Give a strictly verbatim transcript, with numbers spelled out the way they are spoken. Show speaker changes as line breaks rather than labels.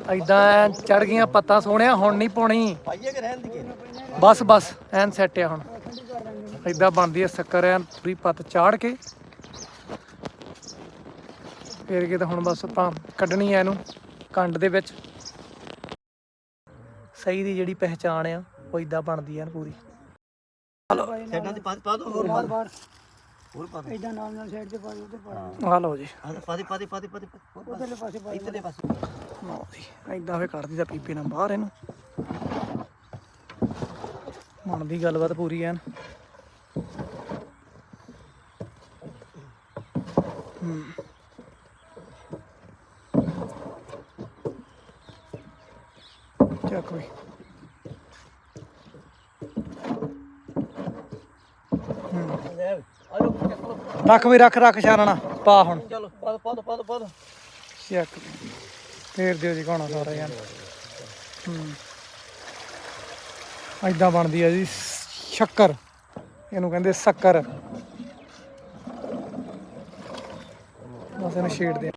ਇਦਾਂ ਚੜ ਗਈਆਂ ਪੱਤਾਂ ਸੋਹਣਿਆ। ਹੁਣ ਨਹੀਂ ਪਾਉਣੀ ਬਸ ਬਸ ਐਨ ਸੈੱਟ ਆ। ਹੁਣ ਇਦਾਂ ਬਣਦੀ ਆ ਸ਼ੱਕਰ ਐਨ ਪੂਰੀ ਪੱਤ ਚਾੜ ਕੇ ਫੇਰ ਕੇ ਤਾਂ ਹੁਣ ਬਸ ਆਪਾਂ ਕੱਢਣੀ ਆ ਇਹਨੂੰ ਕੰਡ ਦੇ ਵਿੱਚ। ਸਹੀ ਦੀ ਜਿਹੜੀ ਪਹਿਚਾਣ ਆ ਉਹ ਇਦਾਂ ਬਣਦੀ ਆ ਪੂਰੀ। ਆ ਲਓ ਜੀ ਇਦਾਂ ਫੇਰ ਕੱਢਦੀ ਤਾਂ ਪੀਪੇ ਨਾਲ ਬਾਹਰ ਇਹਨੂੰ। ਬਣਦੀ ਗੱਲਬਾਤ ਪੂਰੀ ਐਨ। ਹੂੰ ਚੱਕ ਵੀ ਰੱਖ ਵੀ ਰੱਖ ਰੱਖ ਛਾਨਣਾ ਪਾ ਹੁਣ। ਚਲੋ ਪਾ ਪਾ ਪਾ ਪਾ ਚੱਕ ਫੇਰ ਦਿਓ ਜੀ ਘਾਣਾ ਸਾਰਾ ਯਾਰ। ਹੂੰ ਏਦਾਂ ਬਣਦੀ ਆ ਜੀ ਸ਼ੱਕਰ। ਇਹਨੂੰ ਕਹਿੰਦੇ ਸ਼ੱਕਰ। ਬਸ ਇਹਨੂੰ ਛੇੜਦੇ